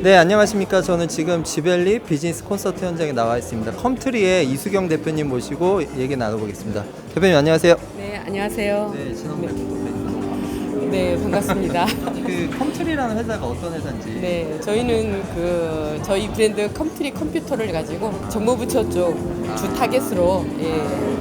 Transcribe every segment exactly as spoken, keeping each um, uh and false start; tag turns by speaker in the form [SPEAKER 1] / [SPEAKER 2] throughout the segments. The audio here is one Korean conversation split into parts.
[SPEAKER 1] 네, 안녕하십니까. 저는 지금 지벨리 비즈니스 콘서트 현장에 나와 있습니다. 컴트리의 이수경 대표님 모시고 얘기 나눠보겠습니다. 대표님 안녕하세요.
[SPEAKER 2] 네, 안녕하세요.
[SPEAKER 1] 네, 지난 뵙고 너무 반갑습니다.
[SPEAKER 2] 네, 반갑습니다.
[SPEAKER 1] 그 컴트리라는 회사가 어떤 회사인지.
[SPEAKER 2] 네, 저희는 그 저희 브랜드 컴트리 컴퓨터를 가지고 정보부처 쪽 주 타겟으로 예,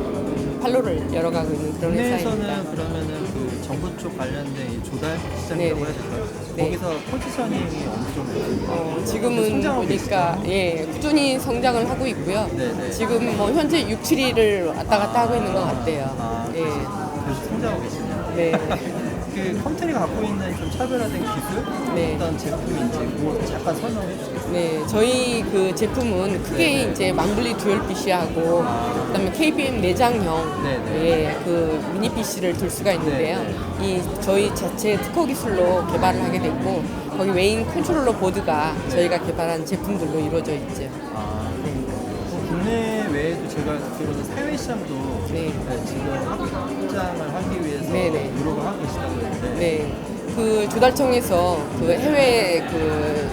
[SPEAKER 2] 판로를 열어가고 있는 그런 회사입니다.
[SPEAKER 1] 국내에서는 그러면은 그 정부 쪽 관련된 이 조달 시장이라고
[SPEAKER 2] 네네.
[SPEAKER 1] 해야 될까요?
[SPEAKER 2] 네.
[SPEAKER 1] 거기서 포지셔닝이 어느 정도?
[SPEAKER 2] 어, 지금은
[SPEAKER 1] 성장하고
[SPEAKER 2] 보니까 예, 꾸준히 성장을 하고 있고요.
[SPEAKER 1] 네네.
[SPEAKER 2] 지금 뭐 현재 육, 칠 위를 왔다 갔다 하고 있는 것 같아요.
[SPEAKER 1] 아,
[SPEAKER 2] 예.
[SPEAKER 1] 그래서 성장하고 계시네요.
[SPEAKER 2] 네.
[SPEAKER 1] 그 컴트리가 갖고 있는 좀 차별화된 기술,
[SPEAKER 2] 네.
[SPEAKER 1] 어떤 제품인지 뭐 잠깐 설명해 주시겠어요?
[SPEAKER 2] 네, 저희 그 제품은 크게
[SPEAKER 1] 네네.
[SPEAKER 2] 이제 망블리 듀얼 피씨하고 그다음에 케이비엠 내장형
[SPEAKER 1] 네네.
[SPEAKER 2] 예, 그 미니 피씨를 둘 수가 있는데요. 이 저희 자체 특허 기술로 개발을 하게 됐고 거기 메인 컨트롤러 보드가 저희가 개발한 제품들로 이루어져 있죠.
[SPEAKER 1] 아, 뭐 국내 외에도 제가 듣기로는 해외 시장도
[SPEAKER 2] 네.
[SPEAKER 1] 네, 지금 확장을 하기 위해서
[SPEAKER 2] 네네.
[SPEAKER 1] 노력을 하고 계시다고 했는데
[SPEAKER 2] 네, 그 조달청에서 그 해외 그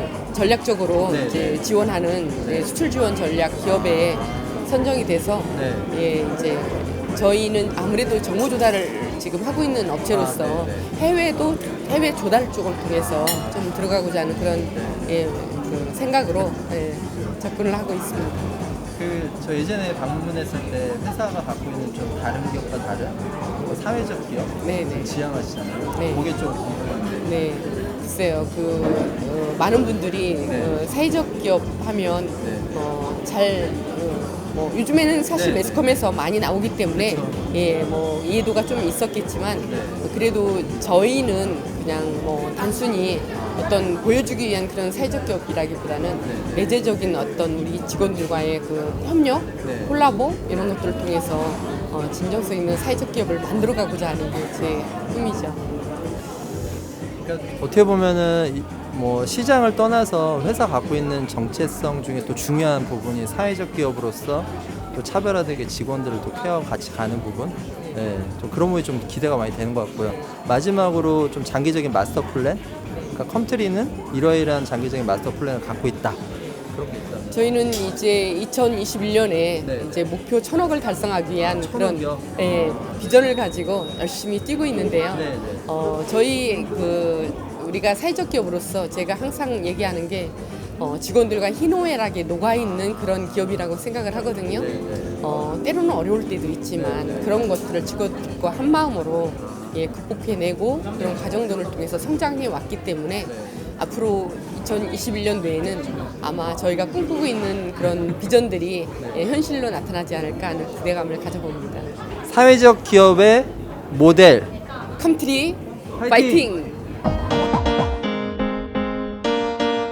[SPEAKER 2] 전략적으로
[SPEAKER 1] 네,
[SPEAKER 2] 이제
[SPEAKER 1] 네.
[SPEAKER 2] 지원하는 예, 수출 지원 전략 기업에 선정이 돼서
[SPEAKER 1] 네.
[SPEAKER 2] 예, 이제 저희는 아무래도 정보 조달을 지금 하고 있는 업체로서
[SPEAKER 1] 아, 네,
[SPEAKER 2] 해외도 해외 조달 쪽을 통해서 좀 들어가고자 하는 그런 예, 그 생각으로 예, 접근을 하고 있습니다.
[SPEAKER 1] 그 저 예전에 방문했을 때 회사가 갖고 있는 좀 다른 기업과 다른 뭐 사회적 기업
[SPEAKER 2] 네네.
[SPEAKER 1] 지향하시잖아요.
[SPEAKER 2] 네.
[SPEAKER 1] 그게 좀 궁금한데.
[SPEAKER 2] 네, 글쎄요. 그 어, 많은 분들이
[SPEAKER 1] 네.
[SPEAKER 2] 어, 사회적 기업 하면
[SPEAKER 1] 네.
[SPEAKER 2] 어, 잘 어, 뭐 요즘에는 사실
[SPEAKER 1] 네.
[SPEAKER 2] 매스컴에서 많이 나오기 때문에
[SPEAKER 1] 그쵸.
[SPEAKER 2] 예, 뭐 이해도가 좀 있었겠지만
[SPEAKER 1] 네.
[SPEAKER 2] 그래도 저희는 그냥 뭐 단순히 어떤 보여주기 위한 그런 사회적 기업이라기보다는
[SPEAKER 1] 네.
[SPEAKER 2] 내재적인 어떤 우리 직원들과의 그 협력,
[SPEAKER 1] 네.
[SPEAKER 2] 콜라보 이런 것들을 통해서 어, 진정성 있는 사회적 기업을 만들어가고자 하는 게 제 꿈이죠.
[SPEAKER 1] 그러니까 어떻게 보면은 이- 뭐 시장을 떠나서 회사 갖고 있는 정체성 중에 또 중요한 부분이 사회적 기업으로서 또 차별화되게 직원들을 또 케어하고 같이 가는 부분, 네, 좀 그런 부분이 좀 기대가 많이 되는 것 같고요. 마지막으로 좀 장기적인 마스터 플랜, 그러니까 컴트리는 이러이러한 장기적인 마스터 플랜을 갖고 있다. 그런 게 있다.
[SPEAKER 2] 저희는 이제 이천이십일 년에
[SPEAKER 1] 네.
[SPEAKER 2] 이제 목표 천억을 달성하기 위한 그런
[SPEAKER 1] 천억이요?
[SPEAKER 2] 예, 비전을 가지고 열심히 뛰고 있는데요.
[SPEAKER 1] 네, 네.
[SPEAKER 2] 어, 저희 그 우리가 사회적 기업으로서 제가 항상 얘기하는 게 어, 직원들과 희노애락에 녹아 있는 그런 기업이라고 생각을 하거든요.
[SPEAKER 1] 네, 네.
[SPEAKER 2] 어, 때로는 어려울 때도 있지만
[SPEAKER 1] 네, 네.
[SPEAKER 2] 그런 것들을 직원들과 한 마음으로 예, 극복해내고 그런 과정들을 통해서 성장해 왔기 때문에
[SPEAKER 1] 네.
[SPEAKER 2] 앞으로 이천이십일 년도에는 아마 저희가 꿈꾸고 있는 그런 비전들이 예, 현실로 나타나지 않을까 하는 기대감을 가져봅니다.
[SPEAKER 1] 사회적 기업의 모델
[SPEAKER 2] 컴트리
[SPEAKER 1] 화이팅!
[SPEAKER 2] 파이팅!